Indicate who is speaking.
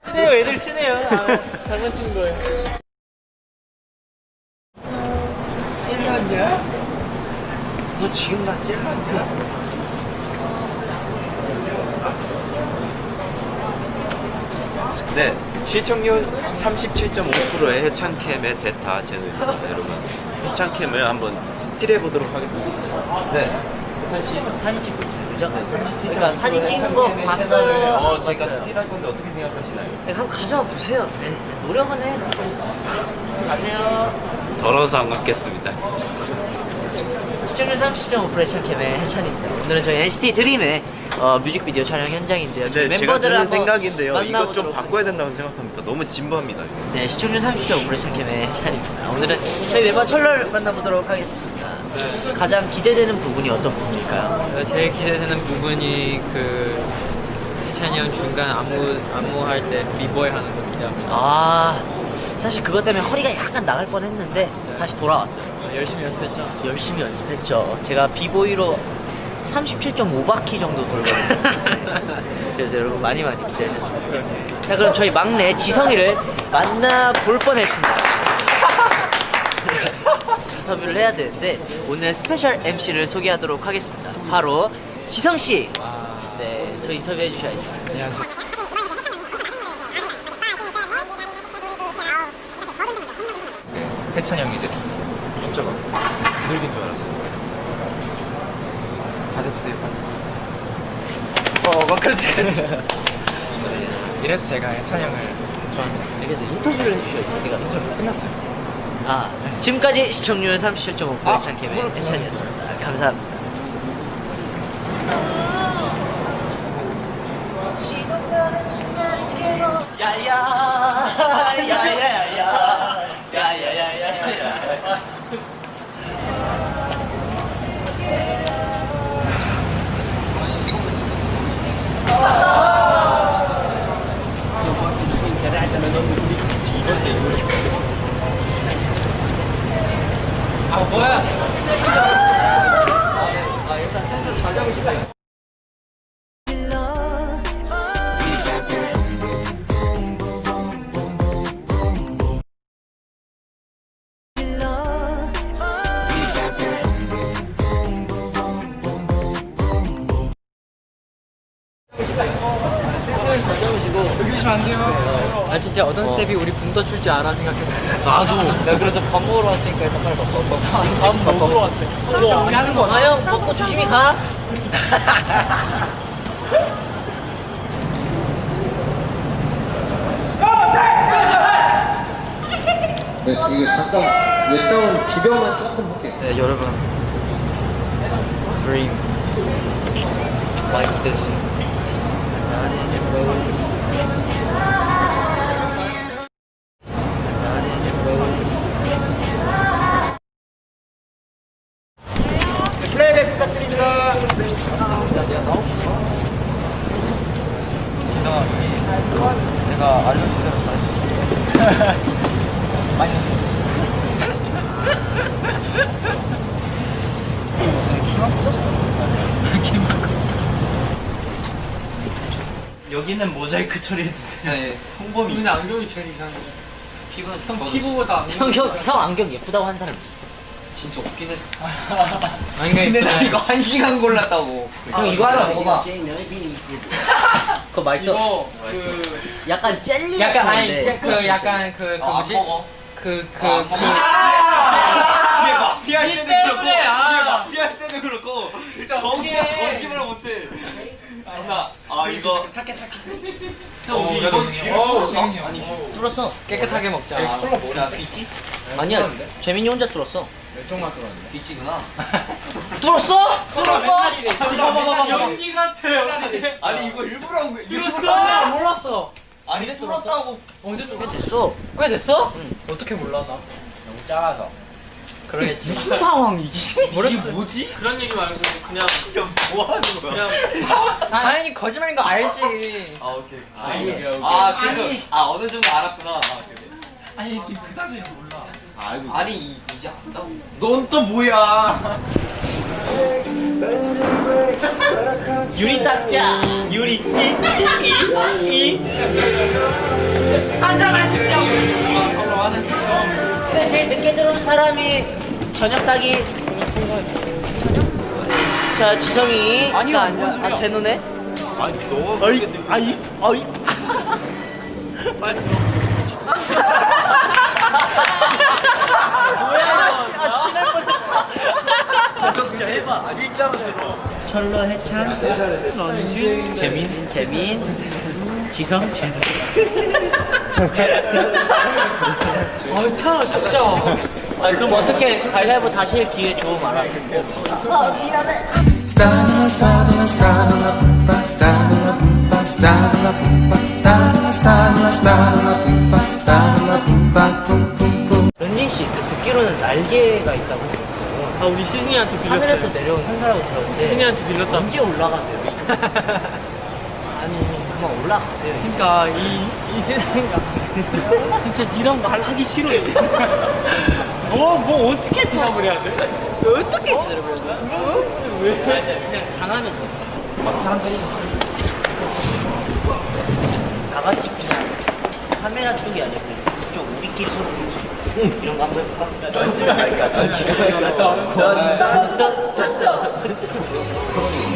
Speaker 1: 친해요, 애들 친해요. 장난치는 거예요.
Speaker 2: 찔렀냐? 너 지금 나 찔렀냐? 네, 시청률 37.5%의 해찬캠의 대타 채널입니다, 여러분. 해찬캠을 한번 스틸해 보도록 하겠습니다. 네, 해찬 씨.
Speaker 1: 사진 찍고 있어요, 그죠? 그러니까 사진 찍는 거 봤어요.
Speaker 2: 제가 스틸할 건데 어떻게 생각하시나요?
Speaker 1: 네, 한번 가져와 보세요. 네, 노력은 해. 가세요.
Speaker 2: 더러워서 안 갖겠습니다.
Speaker 1: 시청률 30.5%의 션캠의 해찬입니다. 오늘은 저희 NCT 드림의 뮤직비디오 촬영 현장인데요. 저희
Speaker 2: 네, 제가
Speaker 1: 멤버들을
Speaker 2: 드는
Speaker 1: 한번
Speaker 2: 생각인데요. 이거 좀
Speaker 1: 만나보도록
Speaker 2: 바꿔야 된다고 생각합니다. 너무 진부합니다. 이거.
Speaker 1: 네, 시청률 30.5%의 션캠의 해찬입니다. 오늘은 저희 멤버 철러를 만나보도록 하겠습니다. 가장 기대되는 부분이 어떤 부분일까요?
Speaker 3: 제일 기대되는 부분이 그 해찬이 형 중간 안무할 때 비보이 하는 거 기대합니다.
Speaker 1: 아, 사실 그것 때문에 허리가 약간 나갈 뻔했는데 다시 돌아왔어요.
Speaker 3: 열심히 연습했죠.
Speaker 1: 열심히 연습했죠. 제가 비보이로 37.5바퀴 정도 돌거든요. 그래서 여러분 많이 기대해주셨으면 좋겠습니다. 자, 그럼 저희 막내 지성이를 만나볼 뻔했습니다. 인터뷰를 해야 되는데 오늘 스페셜 MC를 소개하도록 하겠습니다. 바로 지성씨. 네, 저 인터뷰해 주셔야죠.
Speaker 3: 안녕하세요.
Speaker 4: 해찬이 형이 이제
Speaker 2: 깜짝아. 늙은 줄 알았어.
Speaker 4: 받아주세요. 막 그렇지. 이래서 제가 해찬이 형을 좋아합니다.
Speaker 1: 그래서 인터뷰를 해주셔야죠. 제가
Speaker 4: 인터뷰 끝났어요.
Speaker 1: 아, 지금까지 시청률 37.5% 해찬캠의 해찬이었습니다. 감사합니다. 시동가는 순간이 깨고 야야야야야야야야야야야
Speaker 3: 아 뭐야? 일단 센터 잘 잡고 싶다.
Speaker 4: 여기 오시면 안 돼요.
Speaker 3: 아 진짜 어떤 스텝이 우리 붕 떠 출 줄 알아 생각했어.
Speaker 1: 나도. 내가 그래서 밥 먹으러 왔으니까 일단 빨리 밥 먹으러 왔대. 우리 하는 거 형 먹고 조심히 가.
Speaker 5: 네, 이게 잠깐 웹다운 주변만 조금 볼게요.
Speaker 1: 네, 여러분. 드림 많이 기대해주세요.
Speaker 2: 플레이백 부탁드립니다.
Speaker 4: 내가 알려준 대로 잘했어. 많이
Speaker 2: 여기는 모자이크 처리해주세요.
Speaker 4: 네.
Speaker 2: 홍범이.
Speaker 3: 근데 안경이 제일 이상해.
Speaker 4: 피부는
Speaker 3: 형 피부보다 안경.
Speaker 1: 형 안경 예쁘다고 한 사람 있었어.
Speaker 4: 진짜 없긴 했어.
Speaker 3: 안경이
Speaker 4: 근데 나
Speaker 3: 예쁘다.
Speaker 4: 이거 1시간 골랐다고.
Speaker 1: 형 이거 하나 먹어봐. 그거 맛있어.
Speaker 3: 이거 그
Speaker 1: 약간 젤리
Speaker 3: 약간 아니
Speaker 1: 같은데.
Speaker 3: 그 약간 그 뭐지?
Speaker 4: 먹어.
Speaker 3: 그
Speaker 2: 얘 마피아 할 때는
Speaker 3: 때문에,
Speaker 2: 그렇고,
Speaker 3: 아.
Speaker 2: 얘 마피아 할 때는 그렇고,
Speaker 3: 진짜
Speaker 2: 거기가
Speaker 3: 어떡해.
Speaker 2: 거짓말을 못해. 이거.
Speaker 3: 착해.
Speaker 2: 형, 우리 이거 귀를 뚫었어? 아니,
Speaker 1: 뚫었어.
Speaker 3: 깨끗하게 먹자.
Speaker 4: 콜라 뭐야? 귀찌?
Speaker 1: 아니야. 재민이 혼자 뚫었어.
Speaker 4: 왼쪽만 뚫었는데. 귀찌구나.
Speaker 1: 뚫었어?
Speaker 3: 연기 같아.
Speaker 2: 아니, 이거 일부러 한 거야.
Speaker 3: 들었어? 몰랐어.
Speaker 2: 아니, 뚫었다고.
Speaker 3: 언제 또
Speaker 1: 꽤 됐어.
Speaker 3: 꽤 됐어?
Speaker 1: 응.
Speaker 3: 어떻게 몰라 나?
Speaker 4: 너무 작아서.
Speaker 3: 그러겠지.
Speaker 1: 무슨 상황이지?
Speaker 2: 이게 뭐지?
Speaker 3: 그런 얘기 말고 그냥
Speaker 2: 야, 뭐 하는 거야?
Speaker 3: 당연히 거짓말인 거 알지.
Speaker 2: 아, 오케이.
Speaker 1: 아니,
Speaker 2: 그래도, 어느 정도 알았구나. 그래.
Speaker 3: 아니 지금 그 사실 몰라.
Speaker 2: 알고
Speaker 4: 아니 이제 안다고.
Speaker 2: 넌 또 뭐야?
Speaker 1: 유리 닦자. 유리 이. 한잔만 찍자고. 근데 제일 늦게 들어온 사람이 저녁 사기. 자, 지성이.
Speaker 2: 아니요,
Speaker 1: 나
Speaker 2: 뭔 소리야.
Speaker 1: 제 눈에.
Speaker 2: 아니 너가
Speaker 1: 어이.
Speaker 2: 빨리
Speaker 1: 친할 뻔했어.
Speaker 2: 진짜 해봐. 아니 일자로 들어.
Speaker 1: 철로 해찬. 재민. 지성 재민.
Speaker 3: 아, 차 진짜.
Speaker 1: 아니 그럼 어떻게 가위바위보 다시 할 기회 줘 말아.
Speaker 6: Stalla, stalla, stalla, pumpa, stalla, pumpa, stalla, pumpa, stalla, stalla, stalla, pumpa, stalla, pumpa, pum, pum, pum.
Speaker 1: 런쥔 씨 듣기로는 날개가 있다고 들었어요.
Speaker 3: 아, 우리 시즈니한테
Speaker 1: 하늘에서
Speaker 3: 빌렸어요.
Speaker 1: 내려온 현사라고 들었는데
Speaker 3: 시즈니한테 빌렸다.
Speaker 1: 언제 올라가세요? 아니 그만 올라가세요.
Speaker 3: 그러니까 이 세상인가 진짜 니랑 말하기 싫어 이제. 뭐 어떻게 대답을 해야 돼?
Speaker 1: 어떻게 기다려보는 거야?
Speaker 3: 왜?
Speaker 1: 그냥 당하면 돼.
Speaker 2: 사람들이
Speaker 1: 다 같이 그냥 카메라 쪽이 아니고 이쪽 우리끼리 서로 이런 거 한번 해볼까? 던지면 할까? 던지면 할까?